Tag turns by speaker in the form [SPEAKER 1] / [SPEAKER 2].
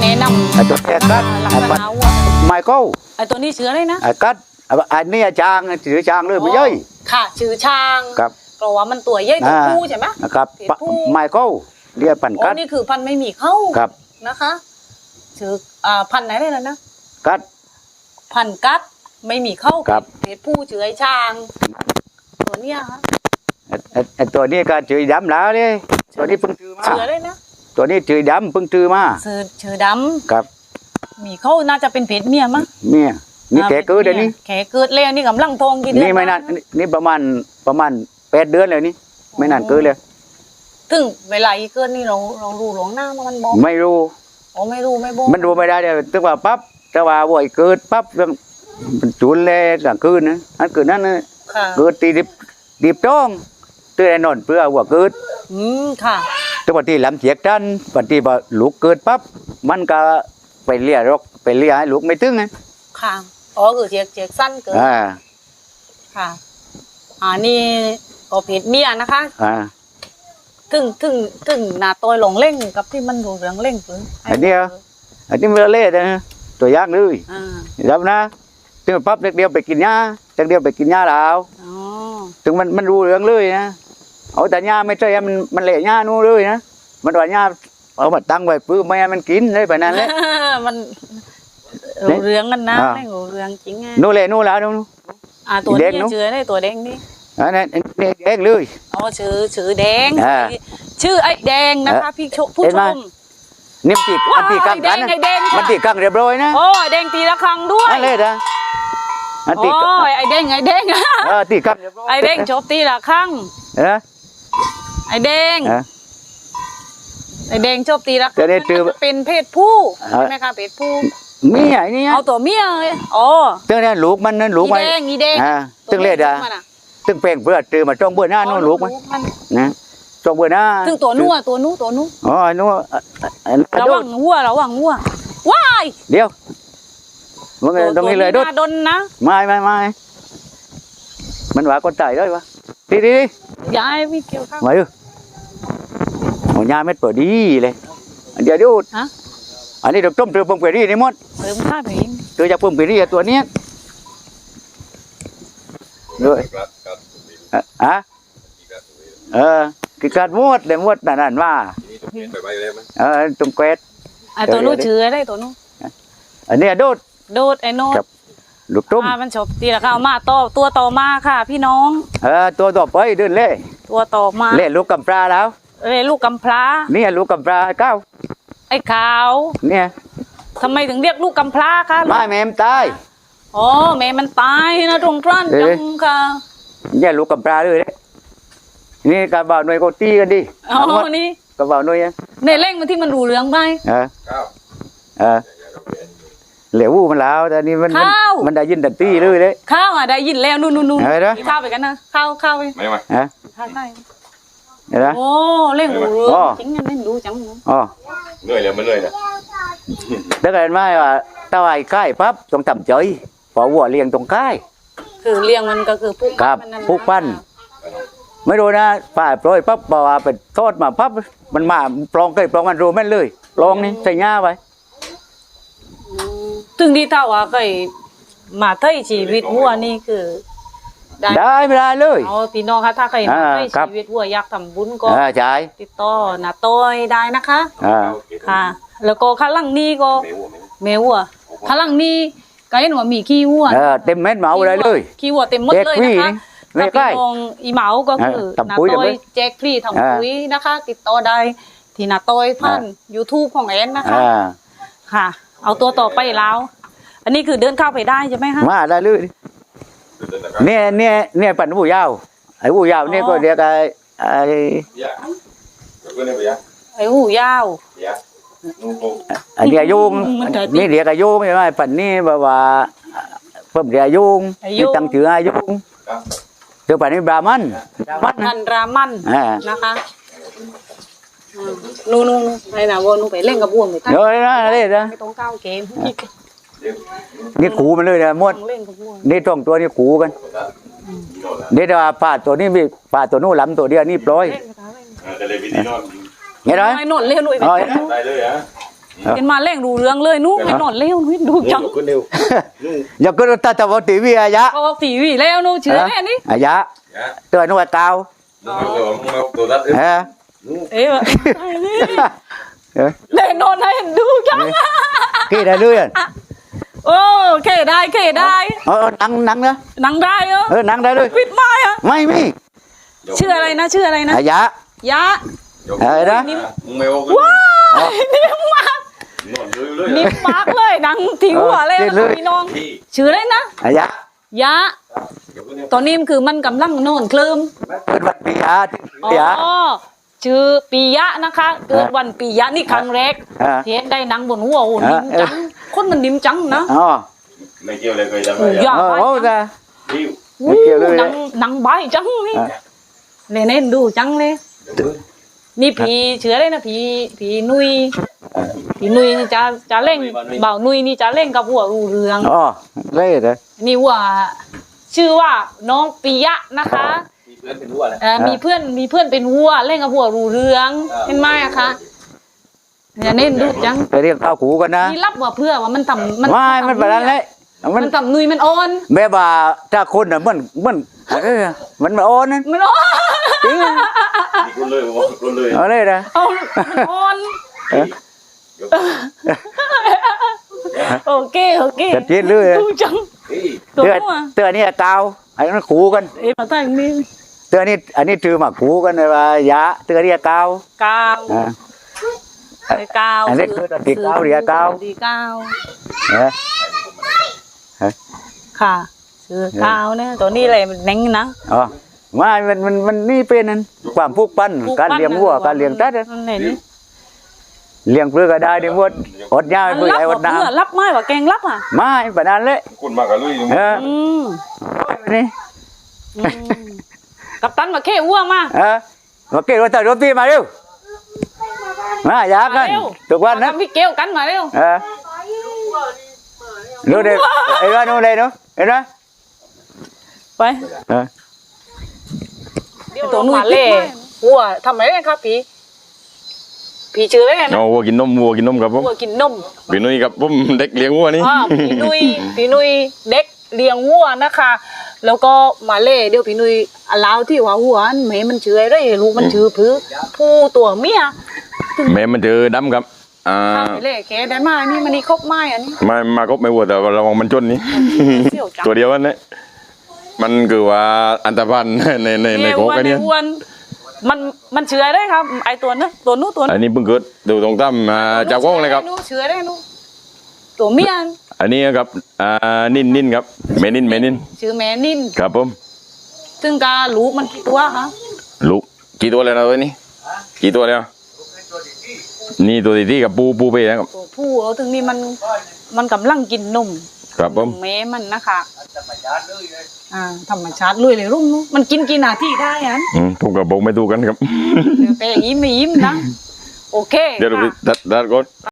[SPEAKER 1] แนะนำ
[SPEAKER 2] ไอ้ตัวแกกัด
[SPEAKER 1] ลัก
[SPEAKER 2] ไอ้
[SPEAKER 1] ษ
[SPEAKER 2] ปัด
[SPEAKER 1] ณะวัว
[SPEAKER 2] ไมเคิล
[SPEAKER 1] ไอ้ตัวนี้เชื้อเลยนะ
[SPEAKER 2] ไอ้กัดไอ้นี่จางถือจางเลยไม่ย่อย
[SPEAKER 1] ค่ะชื่อช้าง
[SPEAKER 2] ครับ
[SPEAKER 1] เพราะว่ามันตัวใหญ่ตัวผู้ใช่ไหม
[SPEAKER 2] นะครับ
[SPEAKER 1] เพศผู้
[SPEAKER 2] ไมเคิลเรียกปั่น
[SPEAKER 1] โอ้
[SPEAKER 2] กัด
[SPEAKER 1] นี่คือพันธุ์ไม่มีเข้า
[SPEAKER 2] ครับ
[SPEAKER 1] นะคะชื่อพันธุ์ไหนเลยนะ
[SPEAKER 2] กัด
[SPEAKER 1] พันธุ์กัดไม่มีเข้า
[SPEAKER 2] ครับ
[SPEAKER 1] เพศผู้ชื่อไอ้ช้างตัวเนี้ยค่ะ
[SPEAKER 2] ไอ้ตัวนี้ก็จืดดำแล้วเลยตัวนี้เพิ่งซื้อมา
[SPEAKER 1] เชื้อเลยนะ
[SPEAKER 2] ตัวนี้จืดดำเพิ่งซื้อมา
[SPEAKER 1] ชื่อด
[SPEAKER 2] ครับ
[SPEAKER 1] ำมีเข้าน่าจะเป็นเพศเมียมั้ง
[SPEAKER 2] เนี่ยนี่แกเกิดเดี๋ยวนี้
[SPEAKER 1] แขเกิดแล้วนี่กำลังทองกี่เดือน
[SPEAKER 2] นี่ไม่นานนี่ประมาณ8 เดือนเลยนี่ไม่นานเกินเลย
[SPEAKER 1] ถึงเวลาอีเกิดนี่เรารู้หลวงหน้ามามันบอก
[SPEAKER 2] ไม่รู้
[SPEAKER 1] อ๋อไม่รู้ไม่บอก
[SPEAKER 2] มันรู้ไม่ได้เลยตึกว่าปั๊บแต่ว่าบ่อยเกิดปั๊บมันจุนเลยกลางคืนนะอันคืนนั้นนะ
[SPEAKER 1] ค่ะ
[SPEAKER 2] เกิดตีดิบจ้องตื่นนอนเพื่อว่าเกิด
[SPEAKER 1] ค่ะ
[SPEAKER 2] แต่ปฏิลำเสียกจันปฏิบัติลูกเกิดปั๊บมันก็ไปเลี้ยรกไปเลี้ยให้ลูกไม่ถึงไง
[SPEAKER 1] ค่ะอ๋อคือเจียกสั้นเกิน
[SPEAKER 2] อ่า
[SPEAKER 1] ค่ะนี่ก็เพศเมียนะคะ
[SPEAKER 2] อ่า
[SPEAKER 1] ถึงหน้าตัวหลงเล่งกับที่มันดูเรื่องเล่งหรือ
[SPEAKER 2] อันนี้มันเล่นะตัวอยางเลย
[SPEAKER 1] อ่า
[SPEAKER 2] รับนะถึงปั๊บเด็กเดียวไปกินหญ้าเด็กเดียวไปกินหญ้าแล้ว
[SPEAKER 1] อ๋อ
[SPEAKER 2] ถึงมันรู้เรื่องเลยนะเอาแต่หญ้าไม่ใช่มันเละหญ้านู่นเลยนะมันว่าหญ้าเอามาตั้งไว้ปื้มไม่ให้มันกินเลยแบบนั้นเลย
[SPEAKER 1] มันรู้เรื่องกันนะ
[SPEAKER 2] อ่า
[SPEAKER 1] ไม่รู้เรื่องจริงไง
[SPEAKER 2] นู่นเลยนู่นแล้วนู่น
[SPEAKER 1] ตัว
[SPEAKER 2] แด
[SPEAKER 1] นี้
[SPEAKER 2] งเนอะ
[SPEAKER 1] ชื่ออะไรตัวแดงนี่
[SPEAKER 2] อันนั้นเองเลย
[SPEAKER 1] อ๋อชื่อแดง
[SPEAKER 2] อ่า
[SPEAKER 1] ชื่อไอ้แดงนะคะพี่ผู้
[SPEAKER 2] เห็น
[SPEAKER 1] ช
[SPEAKER 2] ไหม
[SPEAKER 1] ม
[SPEAKER 2] นี่มันตีกังกันนะ
[SPEAKER 1] ไอ้แดง
[SPEAKER 2] มันตีกังเรียบร้อยนะ
[SPEAKER 1] โอ้ไอ้แดงตีละครั้งด้วย
[SPEAKER 2] นั่นเลยนะมันตี
[SPEAKER 1] โอ้ยไอ้แดง
[SPEAKER 2] ตีกังเรียบร้อย
[SPEAKER 1] ไอ้แดงชอบตีละครั้ง
[SPEAKER 2] นะ
[SPEAKER 1] ไอ้แดง
[SPEAKER 2] ฮะ
[SPEAKER 1] ไอ้แดงชอบตีละค
[SPEAKER 2] จะ
[SPEAKER 1] รั้ง
[SPEAKER 2] ได้จือ
[SPEAKER 1] มันเป็นเพศผู้ใช่ไหมคะเพศผู้
[SPEAKER 2] มีไอ้นี่
[SPEAKER 1] เอาตัวเมียเลยอ๋อ
[SPEAKER 2] ตึงนั้นลูกมันนั่นลูก
[SPEAKER 1] อี
[SPEAKER 2] มัน
[SPEAKER 1] แดงอีแดง
[SPEAKER 2] ตึงเล็ดอ่ะ
[SPEAKER 1] ตัวมัน
[SPEAKER 2] ตึงเป่งเพื่อตือมาจ้องเบื่อหน้านู่นลูกมันนะจ้องเบื่อหน้า
[SPEAKER 1] ถึงตัวนู้ตัวนู้
[SPEAKER 2] อ๋อนู่น
[SPEAKER 1] ระวังวัวว้าย
[SPEAKER 2] เดี๋ยวมึงตรงนี้เลยดุด
[SPEAKER 1] ดนนะ
[SPEAKER 2] ไม่มันว่าคนตายด้วยวะดี
[SPEAKER 1] ยายไม่เกี่ยวข้าว
[SPEAKER 2] มาดูหัวยาเม็ดเปิดดีเลยเดี๋ยวดู
[SPEAKER 1] ฮะ
[SPEAKER 2] อันนี้เราต้มเตือปุ่มเปรี้นี่หมด
[SPEAKER 1] เติมข้าวไปอีก
[SPEAKER 2] เตือจากปุ่มเปรี้ตัวเนี้ยด้วยคือการมดเลยมดนั่นว่าตรงเกวด
[SPEAKER 1] ตัวนู้ชื่ออะไรตัวนู้
[SPEAKER 2] อันนี้ดูด
[SPEAKER 1] โดดไอ้โนด
[SPEAKER 2] ลูกตุ้ม
[SPEAKER 1] มันชอบตีละข้าวมาตัวต่อมาค่ะพี่น้อง
[SPEAKER 2] ตัวต่อไปเดินเล่
[SPEAKER 1] ตัวต่อมา
[SPEAKER 2] เล่ลูกกำปลาแล้ว
[SPEAKER 1] ลูกกำพร้า
[SPEAKER 2] เนี่ยลูกกำปลาเก้า
[SPEAKER 1] ไอ้ขาว
[SPEAKER 2] เนี่ย
[SPEAKER 1] ทำไมถึงเรียกลูกกำพร้าคะ
[SPEAKER 2] ไม่แม่มตาย
[SPEAKER 1] อ๋อแม่มันตายนะตรงกลั้นจังค่ะ
[SPEAKER 2] เนี่ยลูกกำปลาเลยนี่กระบ่าวหน่วยก็ตีกันดิ
[SPEAKER 1] อ๋อนี่
[SPEAKER 2] กระบ่าวหน่วย
[SPEAKER 1] ในเร่งมันที่มันดูเรื่องไป
[SPEAKER 2] เหลวมันแล้วแต่นี่มันได้ยินแต่ตีเลย
[SPEAKER 1] ข้าวได้ยินแล้วนู่น
[SPEAKER 2] อะไรนะ
[SPEAKER 1] ข้าวไปกันนะข้าวไป
[SPEAKER 3] ไม่มา
[SPEAKER 1] ข้าวได้
[SPEAKER 2] เห็นไหม
[SPEAKER 1] โอ้เร่งดูเรื่องจริงเร่งดูจัง
[SPEAKER 2] อ๋อ
[SPEAKER 3] เหนื่อยเลยมันเหนื่อยเลย
[SPEAKER 2] ถ้าเกิดไม่ว่าตะไคใกล้ปั๊บต้องทำใจพอวัวเลี้ยงตรงใกล้
[SPEAKER 1] คือเลี้ยงมันก็คือปุ๊ก
[SPEAKER 2] ครับปุ๊กปั้น ไม่รู้นะป่าปล่อยปั๊บบอกว่าเป็นทอดมาปั๊บมันมาปลองปลองมันรู้แม่นเลยปลองนี่ใส่หญ้าไว้
[SPEAKER 1] ถึงที่เท่าว่าเคยมาไถ่ชีวิตวัวนี่คือ
[SPEAKER 2] ได้ไม่ได้เลย
[SPEAKER 1] เอาพี่น้องคะถ้าใครมาไถ่
[SPEAKER 2] ครับ
[SPEAKER 1] ชีวิตวัวอยากทำบุญก็
[SPEAKER 2] ใช่
[SPEAKER 1] ติดต่อนาต้อยได้นะคะ ค่ะ แล้วก็ข้างหลังนี้ก็แมววัวข้างหลังนี้ก็เห็นว่ามีขี้วัว
[SPEAKER 2] เต็มเม็ดเหมาอะไรเลย
[SPEAKER 1] ขี้วัวเต็มหมดเลยนะคะ
[SPEAKER 2] ไม่
[SPEAKER 1] กับ
[SPEAKER 2] ใกล้
[SPEAKER 1] พี่น้องอีเหมาก็คือ
[SPEAKER 2] ทำ
[SPEAKER 1] นา
[SPEAKER 2] ปุ๋ย
[SPEAKER 1] ต้อย
[SPEAKER 2] ทำปุ๋ย
[SPEAKER 1] แจกฟรีทำปุ๋ยนะคะ ติดต่อได้ที่นาต้อยผ่าน YouTube ของแอนนะคะ ค่ะ เอาตัวต่อไปแล้ว อันนี้คือเดินเข้าไปได้ใช่ไหมคะ
[SPEAKER 2] มาได้เลยเนี่ยปั่นผู้ยาวไอ้ผู้ยาวเนี่ยก็เรียกไอ้
[SPEAKER 1] ไอ้หูยาว
[SPEAKER 2] อันนี้อายุงนี่เรียกอายุไม่ใช่ปั่นนี่แบบว่าเพิ่มเรียกอายุงนี่ตั้งชื่ออายุงเดี๋ยวปั่นนี่บรามัน
[SPEAKER 1] มันรามันนะคะนู่นไอ้น่ะวัวนู่นไปเล่นกับวัวไปตั้ง
[SPEAKER 2] เดี๋ยวนะเลยนะ
[SPEAKER 1] ไม่ต้องก้าวเกม
[SPEAKER 2] นี่ขู่มันเลยนะมด
[SPEAKER 1] เล่นกับวัว
[SPEAKER 2] นี่ต้องตัวนี้ขู่กันนี่แต่ว่าป่าตัวนี้มีป่าตัวนู้นลำตัวเดียวนี่ปล่อย
[SPEAKER 1] เล่นกับเขาเล่น
[SPEAKER 3] จะเลยวิธีนอน
[SPEAKER 2] เห็นไหม
[SPEAKER 1] ไอ้นนเล่นหนุ่ยไป
[SPEAKER 3] ได้เลยฮะ
[SPEAKER 1] เห็นมาเร่งดูเรื่องเลยนู้ไม่นอนเร็วนู้ดูจัง
[SPEAKER 3] คนเดียว
[SPEAKER 2] อย่าก็ตาตะวันทีวีอายะ
[SPEAKER 1] ก็ทีวีแล้วนู้เชื่อแน่นี่
[SPEAKER 2] อายะตัวนู้นเตา
[SPEAKER 3] ตัวรัด
[SPEAKER 2] เออ
[SPEAKER 1] เอ๊ะแน่นอนให้ดูจัง
[SPEAKER 2] กี่ได้เลยอ่ะ
[SPEAKER 1] โอ้เคได้
[SPEAKER 2] นังนะ
[SPEAKER 1] นังได้เหรอ
[SPEAKER 2] นังได้เลย
[SPEAKER 1] ปิดไม้อะ
[SPEAKER 2] ไม่มี
[SPEAKER 1] ชื่ออะไรนะ
[SPEAKER 2] อายะ
[SPEAKER 1] ยะ
[SPEAKER 2] นะ
[SPEAKER 3] มึงไม่โอ้
[SPEAKER 1] ว้ายนิ่มมาก
[SPEAKER 3] นอนเลยเลย
[SPEAKER 1] นิ่มมากเลยนังทิ้งหัวเลยนะพี่น้องชื่ออะไรนะ
[SPEAKER 2] อายะ
[SPEAKER 1] ยะตอนนี้มันคือมันกำลังนอนเคลิ้ม
[SPEAKER 2] เป็นวันปียะ
[SPEAKER 1] อ๋
[SPEAKER 2] ปียะ
[SPEAKER 1] อชื่อปียะนะคะเกิดวันปียะนี่ครั้งแรกเห็นได้หนังบนหัวโอ้นิ่มจังคนมันนิ่มจังนะ
[SPEAKER 2] อ๋อ
[SPEAKER 3] ไม่เกี่ยวเลยเคยจำ
[SPEAKER 1] โอ้
[SPEAKER 3] ได้
[SPEAKER 1] ยากไป
[SPEAKER 2] โอ้จ้ะ
[SPEAKER 3] ดิว
[SPEAKER 2] ไม่เกี่ยวเลย
[SPEAKER 1] หนังใบจังนี่เล่นดูจังเลยนี่ผีเชื้อเลยนะผีนุยจะเล่งเบานุยนี่จะเล่งกับหัวรูเรือง
[SPEAKER 2] อ๋อเลยเลย
[SPEAKER 1] นี่ว่าชื่อว่าน้องปิยะนะคะ
[SPEAKER 3] มีเพื่อนเป็นวัวเลย
[SPEAKER 1] มีเพื่อนเป็นวัวเล่นกับหัวรูเรืองเห็นไหมอะคะอย่าเน้นดูจัง
[SPEAKER 2] ไปเรียกข้าวขู่กันนะ
[SPEAKER 1] นี่รับว่าเพื่อว่ามันทำ
[SPEAKER 2] ไม่มันแบบนั้นเลยมัน
[SPEAKER 1] มันทำนุยมันอ่อน
[SPEAKER 2] แม่บ่าถ้าคนน่ะมันมันอ่อนนั่น
[SPEAKER 1] มันอ่อน
[SPEAKER 2] จริง
[SPEAKER 3] มีคนเลยบอกคนเลย
[SPEAKER 2] เอาเลยนะ
[SPEAKER 1] เอามันอ่อนโอเค
[SPEAKER 2] จะจีนเลย
[SPEAKER 1] ดูจัง
[SPEAKER 2] เตือนนี่กาวไอ้นั่นขู่กัน
[SPEAKER 1] มาตั้งนี่
[SPEAKER 2] เตือนนี่อันนี้ถือมาขู่กันเลยว่ายะเตือนนี่กาว
[SPEAKER 1] กาวกาว
[SPEAKER 2] อันนี้คือตีกาวเรียกาว
[SPEAKER 1] ตีกาว
[SPEAKER 2] เออ
[SPEAKER 1] ค่ะคือกาวเนี่ยตัวนี้อะไรมันแน่งนะ
[SPEAKER 2] อ๋อไม่มันนี่เป็นนั่นความผูกพันการเลี้ยงวัวการเลี้ยงตัด
[SPEAKER 1] มันไหนนี่
[SPEAKER 2] เลี้ยงเพื่อก็ได้ดิมดอดยา
[SPEAKER 1] มัน
[SPEAKER 2] เพื่อ
[SPEAKER 1] รับ
[SPEAKER 2] ไอ้อดน้
[SPEAKER 1] เพื่อรับไม้ว่าแกงรับอ่ะ
[SPEAKER 2] ำไม่ปานนั้นเลย
[SPEAKER 3] คนมากกับลุย
[SPEAKER 2] เออ
[SPEAKER 1] ม
[SPEAKER 2] นี่
[SPEAKER 1] กับตันมาเข้วัวมา
[SPEAKER 2] มาเกี่ยวกับรถตีมาเร็วมาอยากกันทุกวันนะ
[SPEAKER 1] พี่เกลกันมาเร็ว
[SPEAKER 2] ดูดิไอ้ว่านู่นเลยเนาะเห็นไหม
[SPEAKER 1] ไปตัวนุ่ยเล่วัวทำไมเนี่ยครับผีชื่ออะไรนะ
[SPEAKER 3] เอาวัวกินนมครับผม
[SPEAKER 1] วัวกินนม
[SPEAKER 3] พี่นุ้ยครับผมเด็กเลี้ยงวัวนี่
[SPEAKER 1] พี่นุยเด็กเลี้ยงวัวนะคะ แล้วก็มาเล่เดี๋ยวพี่นุยลาวที่ว่าวัวแม่มันชื่ออะไรลูกมันชื่อผู้ตัวเมีย
[SPEAKER 3] แม่มันเจอดำครับ
[SPEAKER 1] เล่แกได้มานี่มันนี่ครบไม้อันนี้
[SPEAKER 3] มาก็ไม่วัวแต่ระวังมันจนนี่
[SPEAKER 1] เสี่ยวจัง
[SPEAKER 3] ตัวเดียวกันเนี่ยมันคือว่าอันตรพันในโคกันเนี่ย
[SPEAKER 1] มันเชื่อได้ครับไอตัวนู้นตัวนู้น
[SPEAKER 3] อันนี้เพิ่งเกิดดูตรงตั้มจากวงเลยครับ
[SPEAKER 1] เชื่อได้นู้ตัวเมีย
[SPEAKER 3] อันนี้ครับนินครับเมนิน
[SPEAKER 1] ชื่อแม่นิน
[SPEAKER 3] ครับผม
[SPEAKER 1] ซึ่งกาลูกมันกี่ตัวคะ
[SPEAKER 3] ลูกกี่ตัวแล้วนะตัวนี้กี่ตัวแล้วนี่ตัวที่กับปูไปนะครับ
[SPEAKER 1] ตัวผู้เอาถึงนี่มันกำลังกินนม
[SPEAKER 3] ครับผม
[SPEAKER 1] แม่มันนะคะธรรมชาติลุยเลยรุ่งนู้มันกินกี่นาทีได้อัน
[SPEAKER 3] ถูกกับบอกไม่ถูกกันครับ
[SPEAKER 1] แต่อย่างนี้ไม่ยิ้มนะโอเค
[SPEAKER 3] เดี๋ยวเราไป
[SPEAKER 1] ค่ะ
[SPEAKER 3] ดัดก่อน